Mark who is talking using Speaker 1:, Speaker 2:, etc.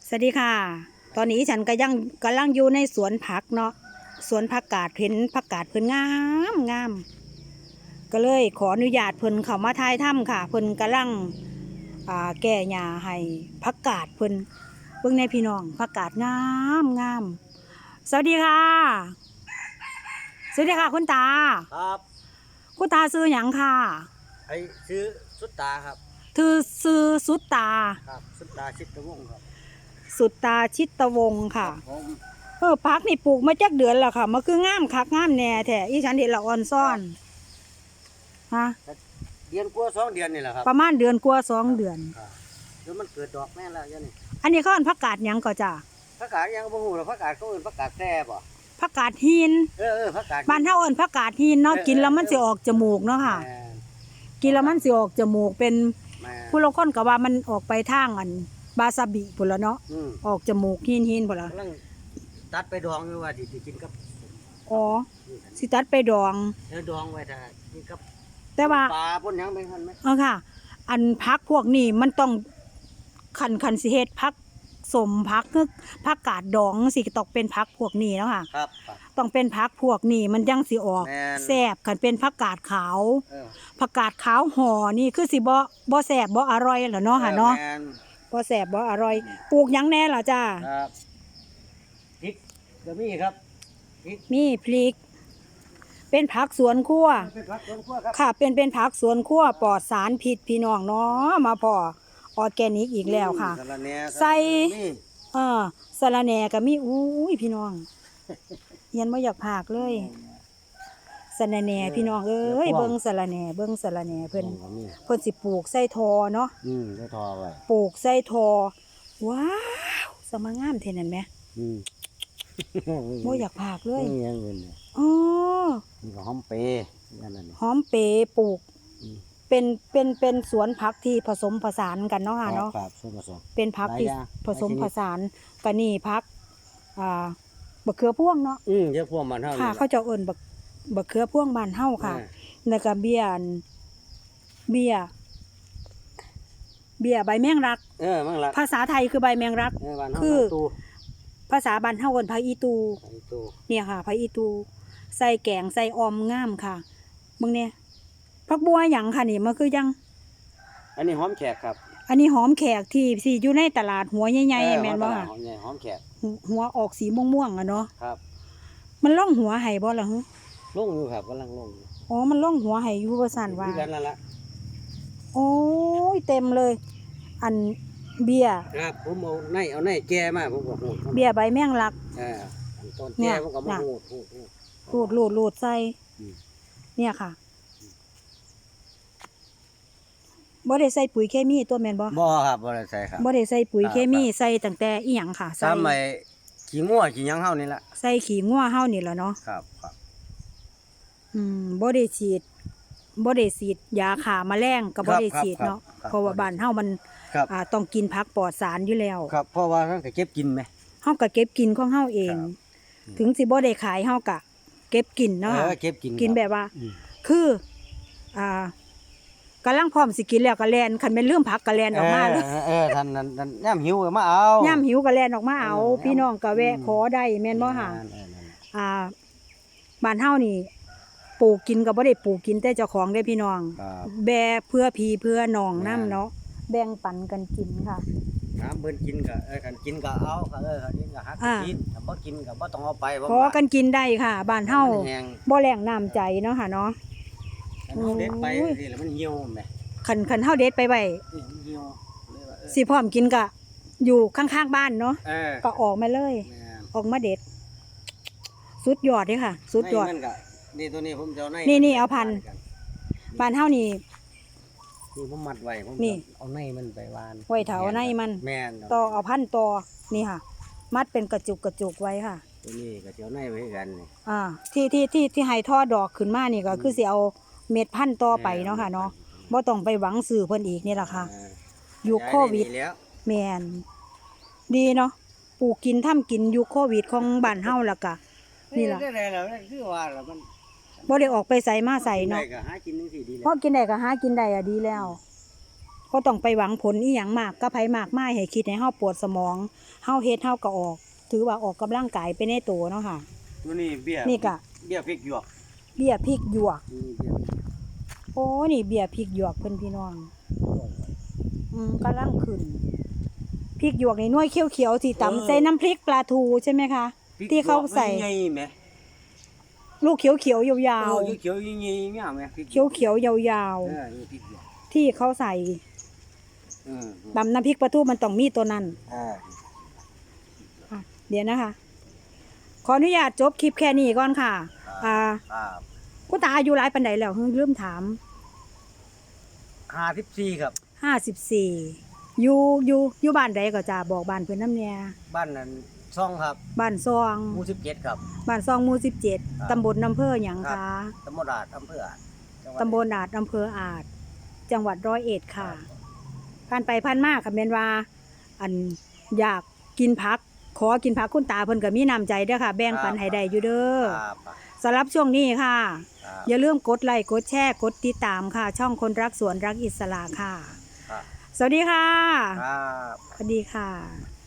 Speaker 1: สวัสดีค่ะตอนนี้ฉันก็ยังกำลังอยู่ในสวนผักเนาะสวนผักกาดเห็นผักกาดเพิ่นงามงามก็เลยขออนุญาตเพิ่นเข้ามาถ่ายถ้ำค่ะเพิ่นกำลังแก้หญ้าให้ผักกาดเพิ่นเบิ่งในพี่น้องผักกาดงามงามสวัสดีค่ะสวัสดีค่ะคุณตา
Speaker 2: ครับ
Speaker 1: คุณตาซื้อหยังค่ะ
Speaker 2: ไอ้ซื้อสุดตาครับ
Speaker 1: ซื้อสุดตา
Speaker 2: ครับสุดตาชิดตะวงครับ
Speaker 1: สุดตาชิตวงศ์ค่ะ
Speaker 2: ผม
Speaker 1: ผักนี่ปลูกมาจักเดือนแล้วค่ะมันคืองามคักงามแน่แท้อีฉันเห็นละอ่อนซ่อนฮะ
Speaker 2: เดือนกว่า2 เดือนนี่แหละครับ
Speaker 1: ประมาณเดือนกว่า2 เดือน
Speaker 2: เดี๋ยวมันเกิดดอกแม่แล้วยันนี่
Speaker 1: อันนี้เขาอันผักกาดหยังก็จ้ะ
Speaker 2: ผักกาดยังบ่ฮู้หรอกผักกาดเขาเอิ้นผักกาดแซ่บ่
Speaker 1: ผักกาดหิน
Speaker 2: ผักกาด
Speaker 1: บ้านเฮาเอิ้นผักกาดหินเนาะกินแล้วมันสิออกจมูกเนาะค่ะกินแล้วมันสิออกจมูกเป็นผู้ลางคนก็ว่ามันออกไปทางอันบาซาบิพุ่นละเนาะออกจมูกหินพุ่นละ
Speaker 2: ตัดไปดองอยู่ว่าสิกินกับ
Speaker 1: อ๋อสิตัดไปดอง
Speaker 2: ดองไว้ถ้ากินกับ
Speaker 1: แต่ว่า
Speaker 2: ปลาป่นหยังเป็นคั่นมั้ย
Speaker 1: ค่ะอันผักพวกนี้มันต้องคันสิเฮ็ดผักสมผักคือผักกาดดองสิต้องเป็นผักพวกนี้เนาะค่ะ
Speaker 2: ครับ
Speaker 1: ต้องเป็นผักพวกนี้มันยังสิออกแซ่บคันเป็นผักกาดขาวผักกาดขาวห่อนี่คือสิบ่แซ่บบ่อร่อยล่ะเนาะค่ะเนาะบ่แซ่บบ่อร่อยปลูกหยังแน่ล่ะจ้า
Speaker 2: ครับพริกก็มีครับ
Speaker 1: มีพริกเป็นผักสวนครัวค่ะเป็นผักสวนครัวปลอดสารพิษพี่น้องเนาะมาพอออร์แกนิกอีกแล้วค่ะใส่สะระแหน่ก็มีอุ้ยพี่น้องเฮียนบ่อยากพากเลยสะระแหน่พี่น้องเอ้ยเบิ่งสะระแหน่เพิ่นสิปลูกใส่ทอเนาะ
Speaker 2: ใส่ทอไว้
Speaker 1: ปลูกใส่ทอว้าวสมงามเท่นั่นแหมบ่อยากพากเลยอ๋อ
Speaker 2: หอมเปย์
Speaker 1: หอมเปย์ปลูกเป็นสวนผักที่ผสมผสานกันเนาะค่ะเนาะเป็นผักที่ผสมผสานกันนี่ผักบักเขือพ่วงเนาะ
Speaker 2: เขือพ่วงบ้านเฮา
Speaker 1: ค่ะเขาจะเอิ้นบักเขือพ่วงบ้านเฮาค่ะแล้วก็เบี้ยใบแมงลักภาษาไทยคือใบแมงลักคือภาษาบ้านเฮาเอิ้นผักอีตูเนี่ยค่ะผักอีตูใส่แกงใส่ออมงามค่ะมึงเนี่ยผักบัวหยังค่ะนี่มันคือยัง
Speaker 2: อันนี้หอมแขกครับ
Speaker 1: อันนี้หอมแขกที่สิอยู่ในตลาดหัวใหญ่ๆแม่นบ่ค่ะ
Speaker 2: หอมแขก
Speaker 1: หัวออกสีม่วงๆอ่ะเนาะ
Speaker 2: ครับ
Speaker 1: มันล่องหัวให้บ่ล่ะฮะ
Speaker 2: ล่องอยู่ครับกำลังล่อง
Speaker 1: อ๋อมันล่องหัวให้อยู่ว่าซั่นว่า
Speaker 2: กันนั่นล่ะ
Speaker 1: โอ้ยเต็มเลยอันเบี้ย
Speaker 2: ครับผมเอาในแก่มาผมก็โหด
Speaker 1: เบี้ยใบแมงลัก
Speaker 2: ต้นแก่ผมก็มา
Speaker 1: รูดใส่เนี่ยค่ะบ่ได้ใส่ปุ๋ยเคมีตัวแม่นบ่
Speaker 2: ครับบ่ได้ใส่ครับ
Speaker 1: บ่ได้ใส่ปุ๋ยเคมีใส่ตั้งแต่อีหยังค่ะ
Speaker 2: ใส่ขี้งัวขี้หยังเฮานี่ล่ะ
Speaker 1: ใส่ขี้งัวเฮานี่ล่ะเนาะ
Speaker 2: ครับ
Speaker 1: บ่ได้ฉีดยาฆ่าแมลงก็บ่ได้ฉีดเนาะเพราะว่าบ้านเฮามันต้องกินผักปลอดสารอยู่แล้ว
Speaker 2: ครับเพราะว่าเฮาก็เก็บกินแหม
Speaker 1: เฮาก็เก็บกินของเฮาเองถึงสิบ่ได้ขายเฮาก็เก็บกินเนาะ
Speaker 2: เก็บ
Speaker 1: กินแบบว่าคือกำลังพร้อมสิกินแล้วก็แล่นคันแม่นลืมผักก็แล่นออกมาเลย
Speaker 2: ท่านยามหิวก็มาเอา
Speaker 1: ยามหิวก็แล่นออกมาเอาพี่น้องก็แวะขอได้แม่นบ่ค่ะบ้านเฮานี่ปลูกกินก็บ่ได้ปลูกกินแต่เจ้าของได้พี่น้องแบ่เพื่อพี่เพื่อน้องนำเนาะแบ่งปันกันกินค่ะ
Speaker 2: เพิ่นกินก็คันกินก็เอาคันกินก็หักกินถ้าบ่กินก็บ่ต้องเอาไป
Speaker 1: ขอกันกินได้ค่ะบ้านเฮาบ่แรงน้ำใจเนาะค่ะเนาะ
Speaker 2: เด็ดไปสิแล้วมันเหี่ยวแหม
Speaker 1: คันเฮาเด็ดไปไว้สิพร้อมกินก็อยู่ข้างๆบ้านเนาะก็ออกมาเลยออกมาเด็ดสุดยอดเด้ค่ะสุดยอด
Speaker 2: นี่ตัวนี้ผมจะเอา
Speaker 1: นี่เอาพันบ้านเฮานี่
Speaker 2: ผมมัดไว้ผมเอาในมันไปวาน
Speaker 1: ไว้เถาในมันต่อเอาพันต่อนี่ค่ะมัดเป็นกระจุกไว้ค่ะ
Speaker 2: ตัวนี้ก็จะเอาในไว้กัน
Speaker 1: ที่ให้ท่อดอกขึ้นมานี่ก็คือสิเอาเม็ดพันต่อไปเนาะค่ะเนาะบ่ต้องไปหวังซื้อเพิ่นอีกนี่ล่ะค่ะยุคโควิดแม่นดีเนาะปลูกกินทำกินยุคโควิดของบ้านเฮาล่ะก็นี่ล่ะ
Speaker 2: คือว่าล่ะมัน
Speaker 1: บ่ได้ออกไปใส่มาใส่เนาะ
Speaker 2: ก็หากินจังซี่ดีแล้ว
Speaker 1: พอกินได้ก็หากินได้ดีแล้วก็ต้องไปหวังผลอีหยังมากก็ไผมากมายให้คิดให้เฮาปวดสมองเฮาเฮ็ดเฮาก็ออก ถือว่าออกกำลังกายไปในตัวเนาะค่ะ
Speaker 2: ตัวนี้เบี้ย
Speaker 1: นี่ก็
Speaker 2: เบี้ยพริกหยวก
Speaker 1: เบี้ยพริกหยวก
Speaker 2: นี่เบี้ย
Speaker 1: โอ้นี่เบี้ยพริกหยวกเพิ่นพี่น้องกำลังขึ้นพริกหยวกนี่หน่วยเขียวๆที่ตำใส่น้ำพริกปลาทูใช่ไหมคะ
Speaker 2: พริก
Speaker 1: ที่เขาใส่
Speaker 2: ใหญ่ๆแหม
Speaker 1: ลูกเขียวๆยาว
Speaker 2: เขียวๆใหญ่ๆเนี่ยแหมพริก
Speaker 1: ๆเขียวๆยาว
Speaker 2: นี่พริกหยวก
Speaker 1: ๆที่เขาใส่ตำน้ำพริกปลาทูมันต้องมีตัวนั้น เดี๋ยวนะคะ ขออนุญาตจบคลิปแค่นี้ก่อนค่ะ
Speaker 2: ครับ
Speaker 1: คุณตาอายุหลายปานใดแล้วลืมถาม
Speaker 2: 54ครับ
Speaker 1: 54อยู่บ้านใดก็จะบอกบ้านเพิ่นนำแหน่
Speaker 2: บ้านนั้นซ่องครับ
Speaker 1: บ้านซอง
Speaker 2: หมู่17ครับ
Speaker 1: บ้านซองหมู่
Speaker 2: ครับ
Speaker 1: 17ตำบลอำเภอหยัง
Speaker 2: ครั
Speaker 1: คะ
Speaker 2: ตำบลอาจอำเภออาจจังหวัด
Speaker 1: ตำบลอาจอำเภออาจจังหวัดร้อยเอ็ดค่ะผ่านไปผ่านมาค่ะแม่นว่า อันอยากกินผัก ขอกินผักคุณตาเพิ่นก็มีน้ำใจเด้อค่ะ แบ่งปันให้ได้อยู่เด้อ
Speaker 2: ครับ
Speaker 1: สำหรับช่วงนี้ค่ะ
Speaker 2: ครับ
Speaker 1: อย่าลืมกดไลค์กดแชร์กดติดตามค่ะ ช่องคนรักสวนรักอิสระค่ะ
Speaker 2: ครับ
Speaker 1: สวัสดีค่ะ
Speaker 2: ครับ
Speaker 1: สวัสดีค่ะ